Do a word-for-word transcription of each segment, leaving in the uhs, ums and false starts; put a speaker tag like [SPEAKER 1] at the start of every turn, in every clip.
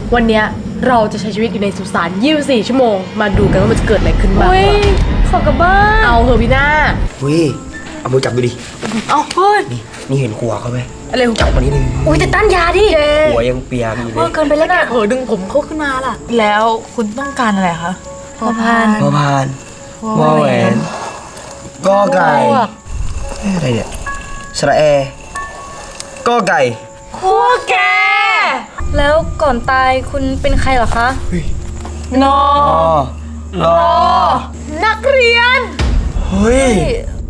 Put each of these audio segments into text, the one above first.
[SPEAKER 1] วันเนี้ยเราจะใช้ชีวิตอยู่ในสุสานยี่สิบสี่ชั่วโมงมาดูกันว่ามันจะเกิดอะไรขึ้นบ้าง
[SPEAKER 2] ขอกลับบ้าน
[SPEAKER 1] เอาเหอะพี่หน้า
[SPEAKER 3] อุ้ยเอามือจับดูดิ
[SPEAKER 1] เอาเฮ้ย
[SPEAKER 3] นี่นี่เห็นหัวเขาไหม
[SPEAKER 1] อะไรของ
[SPEAKER 3] จับมานี่เลย
[SPEAKER 2] อุ้ยแต่ต้านยาดิ
[SPEAKER 3] หัวยังเปียกอยู่เลย
[SPEAKER 2] เกินไปแล้วนะ
[SPEAKER 1] เผลอดึงผมเขาขึ้นมาล่ะแล้วคุณต้องการอะไรคะ
[SPEAKER 2] พอพาน
[SPEAKER 3] พอพานวอแหวนกอไก่อะไรเนี่ยสระแอก็ไก่
[SPEAKER 1] ขั้วแก
[SPEAKER 2] แล้วก่อนตายคุณเป็นใครเหรอคะ
[SPEAKER 1] นอ
[SPEAKER 3] รอ
[SPEAKER 1] นักเรียน
[SPEAKER 3] เฮ้ย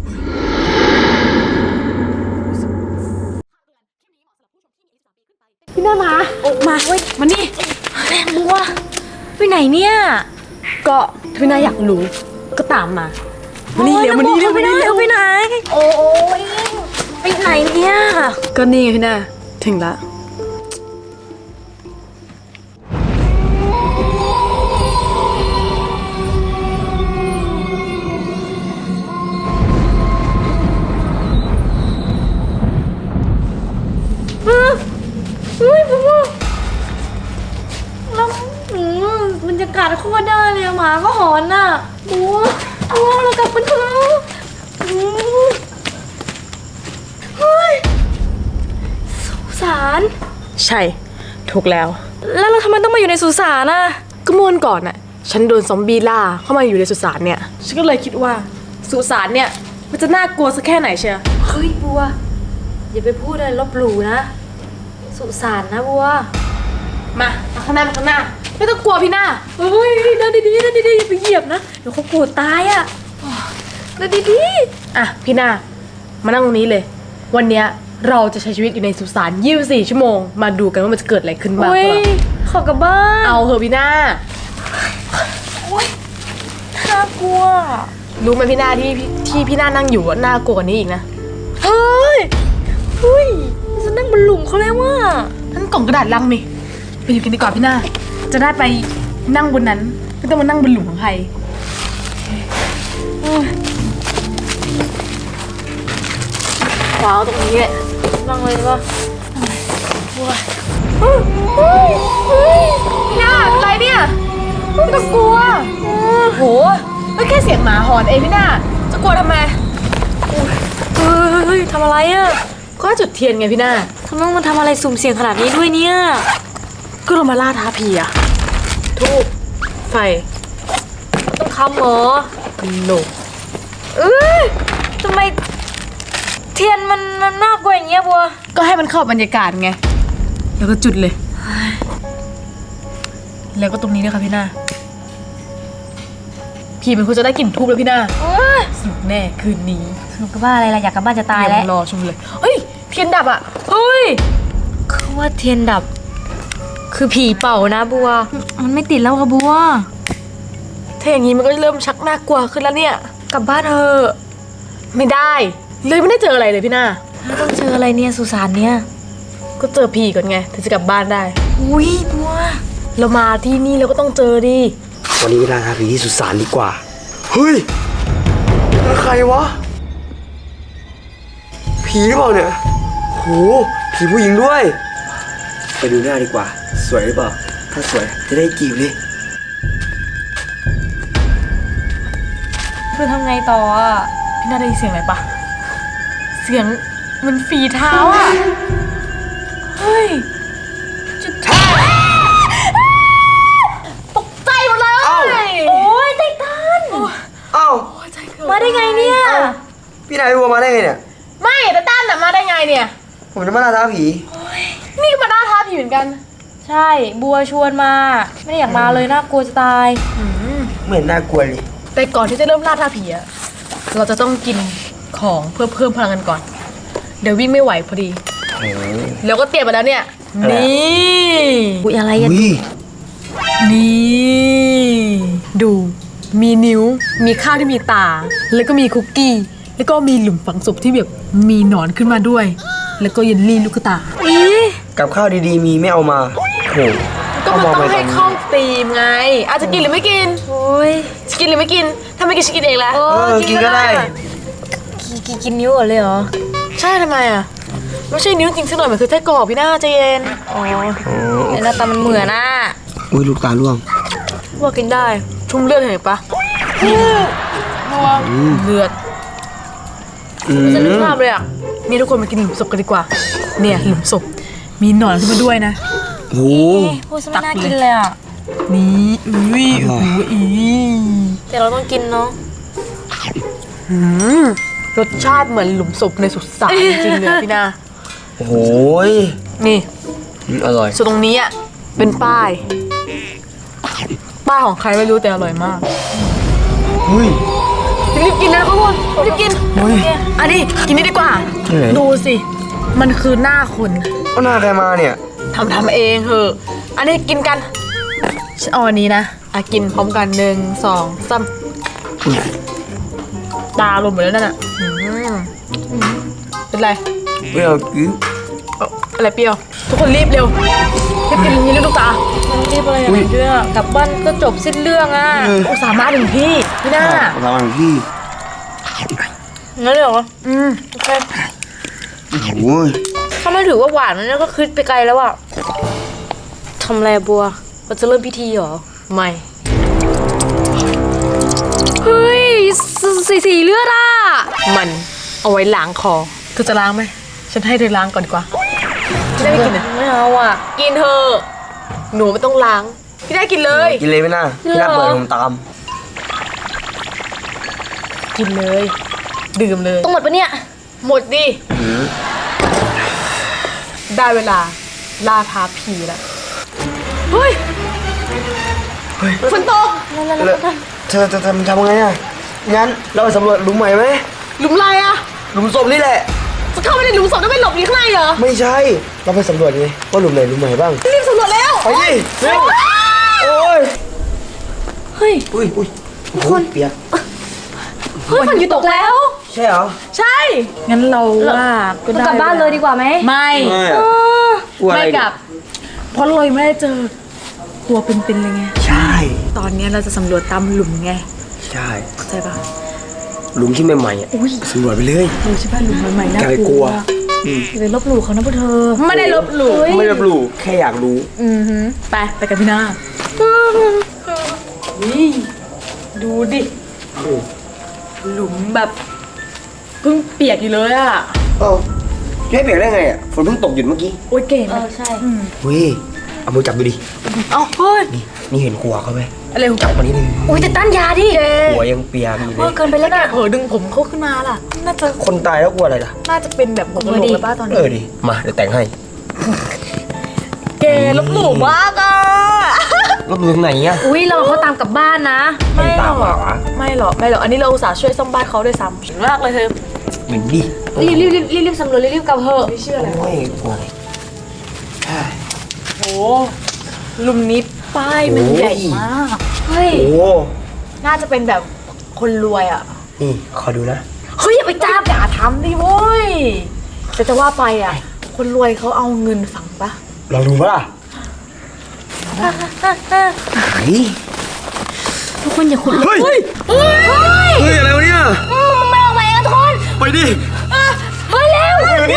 [SPEAKER 1] พี่น่ามาออกมาเว้ยมานี่
[SPEAKER 2] แรงบัวไปไหนเนี่ย
[SPEAKER 1] ก็พี่น่าอยากรู้ก็ตามมามานี่เร็วมานี่เร็ว
[SPEAKER 2] ไปไหนไปไหนโอ้ยไปไหนเนี่ย
[SPEAKER 1] ก็นี่พี่น่าถึงละ
[SPEAKER 2] เฮ้ยบัวแล้วบรรยากาศโคตรได้เลยหมาก็หอนน่ะบัวบัวเรากลับกันเถอะเฮ้ยสุสาน
[SPEAKER 1] ใช่ถูกแล้ว
[SPEAKER 2] แล้วเราทำไมต้องมาอยู่ในสุสานน่ะ
[SPEAKER 1] ก็เมื่อวันก่อนน่ะฉันโดนซอมบี้ล่าเข้ามาอยู่ในสุสานเนี่ยฉันก็เลยคิดว่าสุสานเนี่ยมันจะน่ากลัวสักแค่ไหนเชียว
[SPEAKER 2] เฮ้ยบัวอย่าไปพูดอะไรลบหลู่นะสุสานนะบัว
[SPEAKER 1] มาข้างหน้าข้างหน้าไม่ต้องกลัวพี่หน้า
[SPEAKER 2] เฮ้ยเดินดีๆเดินดีๆอย่าไปเหยียบนะเดี๋ยวเขาปวดตายอ่ะเดินดี
[SPEAKER 1] ๆอ่ะพี่หน้ามานั่งตรงนี้เลยวันเนี้ยเราจะใช้ชีวิตอยู่ในสุสานยี่สิบสี่ชั่วโมงมาดูกันว่ามันจะเกิดอะไรขึ้นบ้าง
[SPEAKER 2] ขอกลับบ้าน
[SPEAKER 1] เอาเหอะพี่หน้า
[SPEAKER 2] โอ๊ยน่ากลัว
[SPEAKER 1] รู้ไหมพี่หน้าที่ที่พี่หน้านั่งอยู่ว่าน่ากลัวกว่านี้อีกนะ
[SPEAKER 2] เฮ้ยเฮ้ยจะนั่งบนหลุมเขาแล้วว่า
[SPEAKER 1] ท่านกล่องกระดาษลังมีไปอยู่กันดีกว่าพี่หน้าจะได้ไปนั่งบนนั้นไม่ต้องมานั่งบนหลุมของใครว้าวตรงนี้แหละ
[SPEAKER 2] นั่งเลยป่ะ
[SPEAKER 1] เฮ้ยเฮ้ยเฮ้ยพี่หน้าเป็นไรเนี่ยไม่ต้องกลัวโหไม่แค่เสียงหมาหอนเองพี่หน้าจะกลัวทำไม
[SPEAKER 2] เฮ้ยทำอะไรอ่ะ
[SPEAKER 1] ก็จุดเทียนไงพี่หน้า
[SPEAKER 2] ทำไมมันทำอะไรสุ่มเสี่ยงขนาดนี้ด้วยเนี่ย
[SPEAKER 1] ก็เรามาล่าท้าผีอะทูบไฟ
[SPEAKER 2] ต้องคำเหรอ
[SPEAKER 1] โน
[SPEAKER 2] เอ้ยทำไมเทียนมันมันน่ากลัวอย่างเงี้ยบัว
[SPEAKER 1] ก็ให้มันเข้าบรรยากาศไงแล้วก็จุดเลยแล้วก็ตรงนี้ด้วยค่ะพี่หน้าผีมันควรจะได้กลิ่นทูบแล้วพี่หน้าสนุกแน่คืนนี้
[SPEAKER 2] สนุกกับบ้าอะไรล่ะอยากกลับบ้านจะตายแล้ว
[SPEAKER 1] รอชมเลยเฮ้ยเทียนดับอ่ะเฮ้ย
[SPEAKER 2] เขาว่าเทียนดับคือผีเป่านะบัวมันไม่ติดแล้วค่ะบัว
[SPEAKER 1] ถ้าอย่างนี้มันก็เริ่มชักน่ากลัวขึ้นแล้วเนี่ย
[SPEAKER 2] กลับบ้านเถอะ
[SPEAKER 1] ไม่ได้เลยไม่ได้เจออะไรเลยพี่หน้า
[SPEAKER 2] แล้วต้องเจออะไรเนี่ยสุสานเนี่ย
[SPEAKER 1] ก็เจอผีก่อนไงถึงจะกลับบ้านได้
[SPEAKER 2] อุ้ยบัว
[SPEAKER 1] เรามาที่นี่เราก็ต้องเจอดิ
[SPEAKER 3] วันนี้เวลาหาผีที่สุสานดีกว่าเฮ้ยใครวะผีเปล่าเนี่ยโหผีผู้หญิงด้วยไปดูหน้าดีกว่าสวยหรือเปล่าถ้าสวยจะได้จีบเลย
[SPEAKER 2] คือทำไงต่ออ่ะ
[SPEAKER 1] พี่น่าได้ยินเสียงอะไรปะเสียงมันฝีเท้าอ่ะเฮ้ยจุดท้าตกใจหมดเลย
[SPEAKER 2] โอ้ยไททัน
[SPEAKER 3] เอ้า
[SPEAKER 2] มาได้ไงเนี่ย
[SPEAKER 3] พี่นายบัวมาได้ไงเนี่ย
[SPEAKER 1] ไม่แต่ต้านน่ะมาได้ไงเนี่ย
[SPEAKER 3] ผมจะมาล่าท้าผี
[SPEAKER 1] นี่ก็มาล่าท้าผีเหมือนกัน
[SPEAKER 2] ใช่บัวชวนมาไม่ได้อยากมาเลยน่ากลัวจะตาย
[SPEAKER 3] เหมือนน่ากลัวเลย
[SPEAKER 1] แต่ก่อนที่จะเริ่มล่าท้าผีอะเราจะต้องกินของเพื่อเพิ่มพลังกันก่อนเดี๋ยววิ่งไม่ไหวพอดีแล้วก็เตรียมมาแล้วเนี่ยนี่
[SPEAKER 2] อุ้ยอะไรอ่ะ
[SPEAKER 1] นี่ดูมีนิ้วมีข้าวที่มีตาแล้วก็มีคุกกี้แล้วก็มีหลุมฝังศพที่แบบมีหนอนขึ้นมาด้วยแล้วก็เยลลี่ลูกตา
[SPEAKER 2] อี
[SPEAKER 3] กับข้าวดีๆมีไม่เอามาโห
[SPEAKER 1] ก็มันต้องให้เข้าตีมไงอาจจะกินหรือไม่กินโอ้ยจะกินหรือไม่กินถ้าไม่กินจะกินเองแหละ
[SPEAKER 3] เออกินก็ได้
[SPEAKER 2] กินนิ้วก่อนเลยเหรอ
[SPEAKER 1] ใช่ทำไมอ่ะไม่ใช่นิ้วจริงสักหน่อยมันคือไส้กรอกพี่หน้าใจเย็นอ๋อ
[SPEAKER 2] ไอ้หน้าตามันเหมือนน่ะ
[SPEAKER 3] อุ้ยลูกตาล่วง
[SPEAKER 1] ว่ากินได้ชุ่มเลือดเห็นปะนัวเลือด
[SPEAKER 3] อืม
[SPEAKER 1] จะนึกภาพเลยอ่ะนี่ทุกคนมากินหลุมศพกันดีกว่า เนี่ยหลุมศพมีหนอนขึ้นมาด้วยนะ
[SPEAKER 3] โอ้โห
[SPEAKER 2] พูดซะไม่น่ากินเลยอ่ะ
[SPEAKER 1] นี่อุ้ย
[SPEAKER 3] อร่
[SPEAKER 1] โอ้
[SPEAKER 3] อย
[SPEAKER 1] โหอี
[SPEAKER 2] แต่เราต้องกินเนาะ
[SPEAKER 1] หืมรสชาติเหมือนหลุมศพในสุสานจริงๆเลยพี่นา
[SPEAKER 3] โอ้โหย
[SPEAKER 1] นี่
[SPEAKER 3] อืมอร่อย
[SPEAKER 1] ส่วนตรงนี้อ่ะเป็นป้าย ป้ายของใครไม่รู้แต่อร่อยมาก
[SPEAKER 3] เฮ้ย
[SPEAKER 1] รีบกินนะทุกคนรีบกิน
[SPEAKER 3] เฮ้ย
[SPEAKER 1] อันนี้กินนี่ดีกว่า
[SPEAKER 3] ที่ไหน
[SPEAKER 1] ดูสิ มันคือหน้าคน
[SPEAKER 3] เอาหน้าใครมาเนี่ย
[SPEAKER 1] ทำทำเองเถอะอันนี้กินกันฉันเอาอันนี้นะอ่ะกินพร้อมกันหนึ่งสองสามตาลงหมดแล้วนั่นอ่ะอืมเป็นไร
[SPEAKER 3] เปรี้ยวกิ๊บ
[SPEAKER 1] เอาอะไรเปรี้ยว ทุกคนรีบเร็วรีบกินอย่างนี้เลยลูกตา
[SPEAKER 2] มันรีบอะไรอย่างเรื่องกลับบ้านก็จบสิ้นเรื่องอ่ะ
[SPEAKER 1] อุตส่าห์มาถึงที่พี่หน้า
[SPEAKER 3] ระวังพี่
[SPEAKER 2] งั้นเลยเหรอ
[SPEAKER 1] อืม
[SPEAKER 2] โอเค
[SPEAKER 3] โอ้โหย
[SPEAKER 2] ถ้าไม่ถือว่าหวานนั่นก็คิดไปไกลแล้วอ่ะทำอะไรบัวเราจะเริ่มพิธีเหรอ
[SPEAKER 1] ไม่
[SPEAKER 2] เฮ้ยสสีสีเลือดอ่ะ
[SPEAKER 1] มันเอาไว้ล้างคอเธอจะล้างไหมฉันให้เธอล้างก่อนดีกว่าพี่ได้ไม่กินอ่ะ
[SPEAKER 2] ไม่เอาอ่ะ
[SPEAKER 1] กินเถอะหนูไม่ต้องล้างพี่ได้กินเลย
[SPEAKER 3] กินเลยไหมน่าพี่น่าเปิดผมตาม
[SPEAKER 1] กินเลย ดื่มเลย
[SPEAKER 2] ต้องหมดปะเนี่ย
[SPEAKER 1] หมดดิ
[SPEAKER 3] อืม
[SPEAKER 1] ได้เวลาล่าท้าผีแล้วเฮ้ยฝนตก
[SPEAKER 3] แล้วเธอจะทำทำไงอ่ะงั้นเราไปสำรวจหลุมใหม่ไหม
[SPEAKER 1] หลุมอะไรอะ
[SPEAKER 3] หลุมศพนี่แหละ
[SPEAKER 1] จะเข้าไปในหลุมศพแล้วไปหลบอยู่ข้างในเหรอ
[SPEAKER 3] ไม่ใช่ เราไปสำรวจไงว่าหลุมไหนหลุมใหม่บ้าง
[SPEAKER 1] รีบสำรวจแล้ว
[SPEAKER 3] ไปดิเร็วโอ้ย
[SPEAKER 2] เฮ้ย
[SPEAKER 3] อุ้ยอุ้ยโคนเปียก
[SPEAKER 2] เฮ้ยฝนหยุดตกแล้ว
[SPEAKER 3] ใช่เหรอ
[SPEAKER 1] ใช่ งั้นเราว่าก็
[SPEAKER 2] เรา
[SPEAKER 1] ได้
[SPEAKER 2] กลับบ้านเลยดีกว่าไหม
[SPEAKER 1] ไม่
[SPEAKER 3] ไม่
[SPEAKER 2] เอ
[SPEAKER 3] อะ
[SPEAKER 2] อ
[SPEAKER 3] กลัวอะไร
[SPEAKER 1] ไม่กลับ เพราะเรายังไม่ได้เจอตัวเป็นๆเลยไง
[SPEAKER 3] ใช่
[SPEAKER 1] ตอนนี้เราจะสำรวจตามหลุมไง
[SPEAKER 3] ใช่
[SPEAKER 1] เข้าใจปะ
[SPEAKER 3] หลุมที่ใหม่ๆอ่ะสำรวจไปเลย
[SPEAKER 1] ดูใช่ปะหลุมใหม่ๆน่า
[SPEAKER 3] อย่าไป
[SPEAKER 1] ก
[SPEAKER 3] กลั
[SPEAKER 1] ลัว
[SPEAKER 3] ว
[SPEAKER 2] อย่าไปลบหลู่เขานะพวกเธอ
[SPEAKER 1] ไม่ได้ลบหลู่
[SPEAKER 3] ไม่รับรู้แค่อยากรู้
[SPEAKER 1] อือหือไปไปกันพี่นานี่ดูดิ หลุมแบบเพิ่งเปียกอยู่เลยอะ
[SPEAKER 3] เอ้าจะให้เปียกได้ไงอ่ะฝนเพิ่งตกหยุดเมื่อกี้
[SPEAKER 1] โอ้ยเก่ง
[SPEAKER 2] เออใช่
[SPEAKER 3] เฮ้ยเอามือจับดูดิ
[SPEAKER 1] เอ้าเฮ้ย
[SPEAKER 3] นี่นี่เห็นหัวเขาไหม
[SPEAKER 1] อะไรของ
[SPEAKER 3] จับมานี่เลย
[SPEAKER 2] อุ้ยแต่ต้านยาดิ
[SPEAKER 3] หัวยังเปียกอยู่เล
[SPEAKER 2] เออย เกินไปแล้วนะ
[SPEAKER 1] เผลอดึงผมเขาขึ้นมาล่ะ น่าจะ
[SPEAKER 3] คนตายแล้วกลัวอะไรล่ะ
[SPEAKER 1] น่าจะเป็นแบบหัวกะโหลกแล้วป้าตอน
[SPEAKER 3] เอ
[SPEAKER 1] นี้
[SPEAKER 3] อดิมาเดี๋ยวแต่งให้
[SPEAKER 1] เกลบหลู่มากอะ
[SPEAKER 3] รถดูตรงไหนอ่ะ
[SPEAKER 2] อุ้ยเราเขาตามกลับบ้านนะ
[SPEAKER 3] ไม่ตาม
[SPEAKER 1] หร
[SPEAKER 3] มา
[SPEAKER 1] อก
[SPEAKER 3] วะ
[SPEAKER 1] ไม่หรอกไม่หรอกอันนี้เราอุตส่าห์ช่วยซ่อมบ้านเขาด้วยซ้ำเก่งมากเลยเธอ
[SPEAKER 3] เหมือนดิ
[SPEAKER 2] รีบรีบรีบรีบรีบสำรวจรีบรีบกลับเถอะ
[SPEAKER 1] ไม่เชื่ออะไร
[SPEAKER 3] โอ้ยกลัวอะไร
[SPEAKER 1] โอ้หลุมนี้ป้ายมันใหญ่มาก
[SPEAKER 2] เฮ้ย
[SPEAKER 3] โอ้
[SPEAKER 1] น่าจะเป็นแบบคนรวยอะ
[SPEAKER 3] นี่ขอดูนะ
[SPEAKER 1] เฮ้ยอย่าไปจับอย่าทำดิโว้ยแต่จะว่าไปอ่ะ คนรวยเขาเอาเงินฝังปะ
[SPEAKER 3] ลองดูปะล่ะไหน
[SPEAKER 2] ทุกคนอย่าขุด
[SPEAKER 3] เฮ้ย
[SPEAKER 1] เฮ้ยเฮ้ย
[SPEAKER 3] เฮ้ยอะไรวะเนี่ย
[SPEAKER 2] มันไม่ออกมาเองอะทุกคน
[SPEAKER 3] ไปดิ
[SPEAKER 2] เฮ้ยเร็ว
[SPEAKER 3] ไปดิ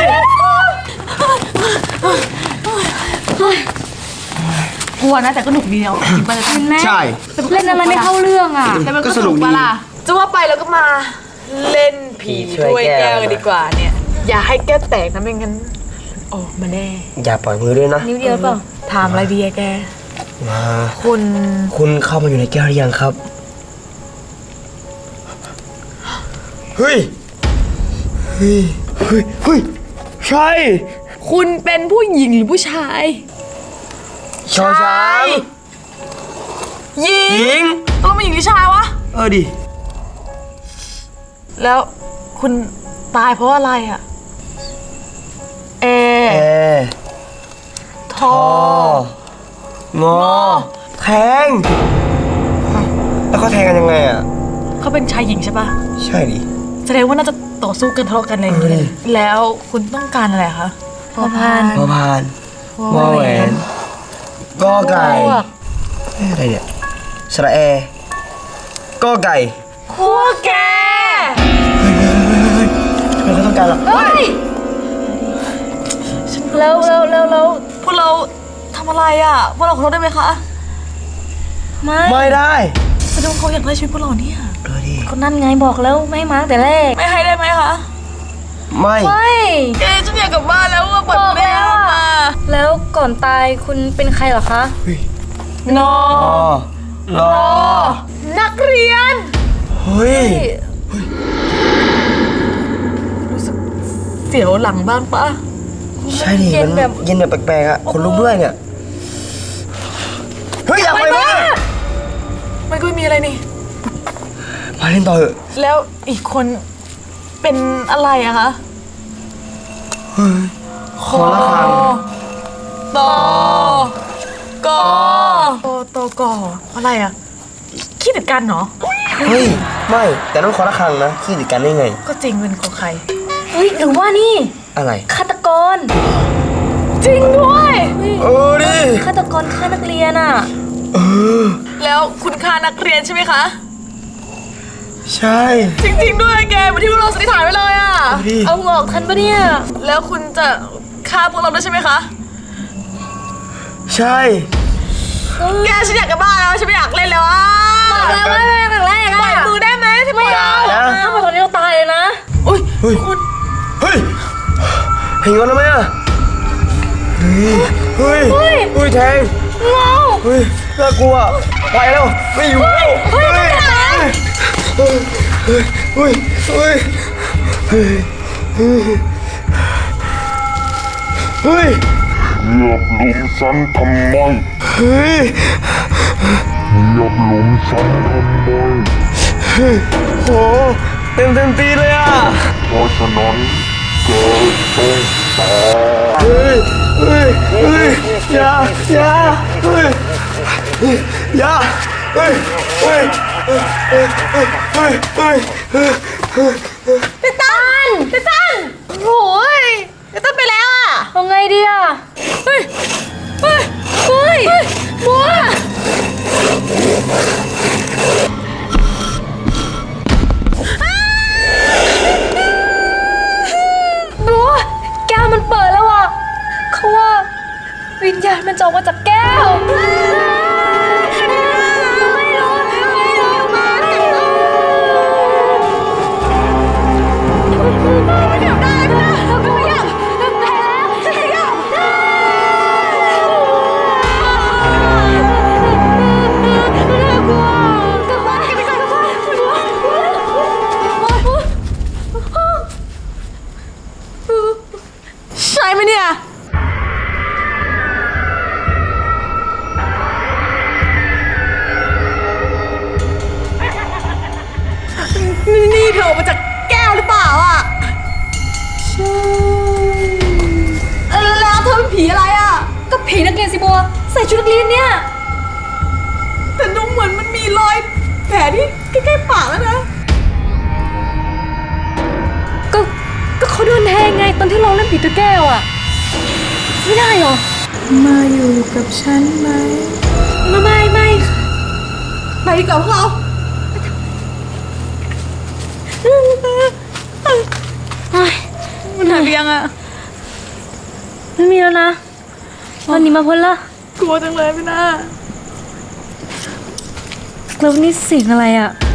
[SPEAKER 1] กลัวนะแต่ก็หนุกดีเนาะจริงปะเนี่ย
[SPEAKER 2] เห็นไหม
[SPEAKER 3] ใช่
[SPEAKER 2] เล่นอะไรไม่เข้าเรื่องอ่ะ
[SPEAKER 1] แต่มันก็
[SPEAKER 3] ก็
[SPEAKER 1] ส
[SPEAKER 3] สนุ
[SPEAKER 1] นุก
[SPEAKER 3] กดี
[SPEAKER 1] ปะล่ะจะว่าไปแล้วก็มาเล่นผีถ้วยแก้วกันดีกว่าเนี่ย อย่าให้แก้วแตกนะไม่งั้นออกมาแน่
[SPEAKER 3] อย่าปล่อยมือด้วยนะ
[SPEAKER 2] นิ้วเดียวเปล่า
[SPEAKER 1] ถามอะไรดีอะแก
[SPEAKER 3] มา
[SPEAKER 1] คุณ
[SPEAKER 3] คุณเข้ามาอยู่ในแก้วหรือยังครับ เฮ้ย เฮ้ย เฮ้ย เฮ้ย ใช่
[SPEAKER 1] คุณเป็นผู้หญิงหรือผู้ชาย
[SPEAKER 3] ชอช้าง
[SPEAKER 1] หญิ
[SPEAKER 3] หญิ
[SPEAKER 1] ง
[SPEAKER 3] ง
[SPEAKER 1] ต้องเป็นหญิงหรือชายวะ
[SPEAKER 3] เออดิ
[SPEAKER 1] แล้วคุณตายเพราะอะไรอะเอ
[SPEAKER 3] แอ
[SPEAKER 1] ทอ
[SPEAKER 3] งอ แทง แล้วเขาแทงกันยังไงอ่ะ
[SPEAKER 1] เขาเป็นชายหญิงใช่ปะ
[SPEAKER 3] ใช่ดิ
[SPEAKER 1] แสดงว่าน่าจะต่อสู้กันทะเลาะกันอะไรอย่างเงี้
[SPEAKER 3] เออ
[SPEAKER 1] ยแล้วคุณต้องการอะไรคะ
[SPEAKER 2] พอพาน
[SPEAKER 3] พอพานวอแหวนกอไก่เอ๊ะอะไรเนี่ยสระแอกอไก่
[SPEAKER 1] ขั้วแก
[SPEAKER 3] ทำไมเขาต้องการล่ะ
[SPEAKER 1] เฮ้ย
[SPEAKER 2] แล้วแล้วแล้วแล้ว
[SPEAKER 1] พวกเราทำอะไรอ่ะพวกเราขอโทษได้ไหมคะ
[SPEAKER 2] ไม่
[SPEAKER 3] ไม่ได้
[SPEAKER 1] แสดงว่าเขาอยากได้ชีวิตพวกเราเนี่ย
[SPEAKER 3] เออดิ
[SPEAKER 2] คนนั่นไงบอกแล้วไม่ให้มาตั้งแต่แรก
[SPEAKER 1] ไม่ให้ได้ไหมคะ
[SPEAKER 3] ไม่
[SPEAKER 2] ไม่
[SPEAKER 1] เจ๊ฉันอยากกลับบ้านแล้วว่าปวด
[SPEAKER 2] บอก
[SPEAKER 1] แม่
[SPEAKER 2] แล้ว
[SPEAKER 1] มา
[SPEAKER 2] อะแล้วก่อนตายคุณเป็นใครเหรอคะ
[SPEAKER 1] นอ
[SPEAKER 3] รอรอ
[SPEAKER 1] นักเรียน
[SPEAKER 3] เฮ้ย
[SPEAKER 1] รู้สึกเสียวหลังบ้างปะ
[SPEAKER 3] ใช่ดิ
[SPEAKER 2] เย็น
[SPEAKER 3] มัน
[SPEAKER 2] แบบ
[SPEAKER 3] เย็นแบบแปลกๆอ่ะคนลุกด้วยเนี่ยเฮ้ยอยากไปบ้าง
[SPEAKER 1] มันก็ไม่มีอะไรนี่
[SPEAKER 3] มาเล่นต่อเถอะ
[SPEAKER 1] แล้วอีกคนเป็นอะไรอะคะ
[SPEAKER 3] ขอละครัง
[SPEAKER 1] ตอกอตอตอกออะไรอะขี้ติดกันเหรอ
[SPEAKER 3] เฮ้ยไม่แต่ต้องขอละครังนะขี้ติดกันได้ไง
[SPEAKER 1] ก็จริงเป็นของใคร
[SPEAKER 2] เฮ้ยหรือว่านี่
[SPEAKER 3] อะไร
[SPEAKER 2] ฆาตกร
[SPEAKER 1] จริงด้วย
[SPEAKER 3] เออดิ
[SPEAKER 2] ฆาตกรฆ่านักเรียนอ่ะ
[SPEAKER 3] เออ
[SPEAKER 1] แล้วคุณค่านักเรียนใช่ไหมคะ
[SPEAKER 3] ใช่
[SPEAKER 1] จริง ๆ ด้วยแกเหมือนที่พวกเราสันนิษฐานไว้เลยอะ
[SPEAKER 3] เอาดิ
[SPEAKER 2] เอางอกทันปะเนี่ย
[SPEAKER 1] แล้วคุณจะฆ่าพวกเราด้วยใช่ไหมคะ
[SPEAKER 3] ใช่
[SPEAKER 1] แกฉันอยากกลับบ้านแล้วฉันไม่อยากเล่นแล้วอะ
[SPEAKER 2] บอกแล้วว่าไม่เป็นครั้งแรก
[SPEAKER 1] ปล่อย
[SPEAKER 2] อะ
[SPEAKER 1] มือได้ไหมที่
[SPEAKER 2] ไม่
[SPEAKER 1] ปล่อย
[SPEAKER 2] เอา
[SPEAKER 3] นะ
[SPEAKER 2] ถ้าเป็นคนนี้เราตายเลยนะ
[SPEAKER 1] อุ้ย
[SPEAKER 3] เฮ้ย
[SPEAKER 1] คุณ
[SPEAKER 3] เฮ้ยเห็นกันแล้วไหมอ่ะเฮ้ยเฮ้ยเฮ้ยแทง
[SPEAKER 2] เงา
[SPEAKER 3] เฮ้ยน่ากลัวไปแล้วไม่อยู่แล้วเฮ้ยเฮ้ยเฮ้ยเฮ้ยเฮ้ยเฮ้ยเฮ้ย
[SPEAKER 4] เหยียบหลุมฉันทำไม
[SPEAKER 3] เฮ้ย
[SPEAKER 4] เหยียบหลุมฉันทำไม
[SPEAKER 3] โหเต็มเต็มตีเลยอ่ะ
[SPEAKER 4] เพราะฉะนั้นแกต้องตาย
[SPEAKER 3] เฮ้ยเฮ้ยเฮ้ยอย่าอย่าเฮ้ยอย่าเฮ้ยเฮ้ยเฮ้ยเฮ้ยเฮ้ยเฮ้ยเฮ้ยเฮ้ย
[SPEAKER 1] เตตันเตตันโอ้ยเตตันไปแล้วอะ
[SPEAKER 2] เอาไงดีอ่ะ
[SPEAKER 1] เฮ้ยเฮ้ย
[SPEAKER 2] เฮ้ย
[SPEAKER 1] บัว
[SPEAKER 2] บัวแก้วมันเปิดแล้วอ่ะเขาว่าวิญญาณมันจะออกมาจากแก้วไม่รู้ไม่รู้มาไม่อยากได้นะเราก็ไม่อยากแพ้ฉันอยากได้น่ากลัวกลับบ้านกันดีกว่ากลับบ้านบัวบัว
[SPEAKER 1] ใช่ไหมเนี่ยนี่นี่เธอออกมาจากแก้วหรือเปล่าอ่ะใช่แล้วเธอเป็นผีอะไรอ่ะ
[SPEAKER 2] ก็ผีนักเรียนสิบัวใส่ชุดนักเรียนเนี่ย
[SPEAKER 1] แต่ดูเหมือนมันมีรอยแผลที่ใกล้ๆปากแล้วนะ
[SPEAKER 2] ก็ก็เขาโดนแทงไงตอนที่เราเล่นผีตัวแก้วอ่ะ ไม่ได้หรอ
[SPEAKER 1] มาอยู่กับฉันไหม
[SPEAKER 2] ไม่ไม่ไม่ค่ะ
[SPEAKER 1] ไปดีกว่าพวกเรา
[SPEAKER 2] เฮ้ย
[SPEAKER 1] มันหายไปยังอ่ะ
[SPEAKER 2] ไม่มีแล้วนะวันนี้มาพ้นละ
[SPEAKER 1] กลัวจังเลยพี่นา
[SPEAKER 2] แล้วนี่เสียงอะไรอ่ะ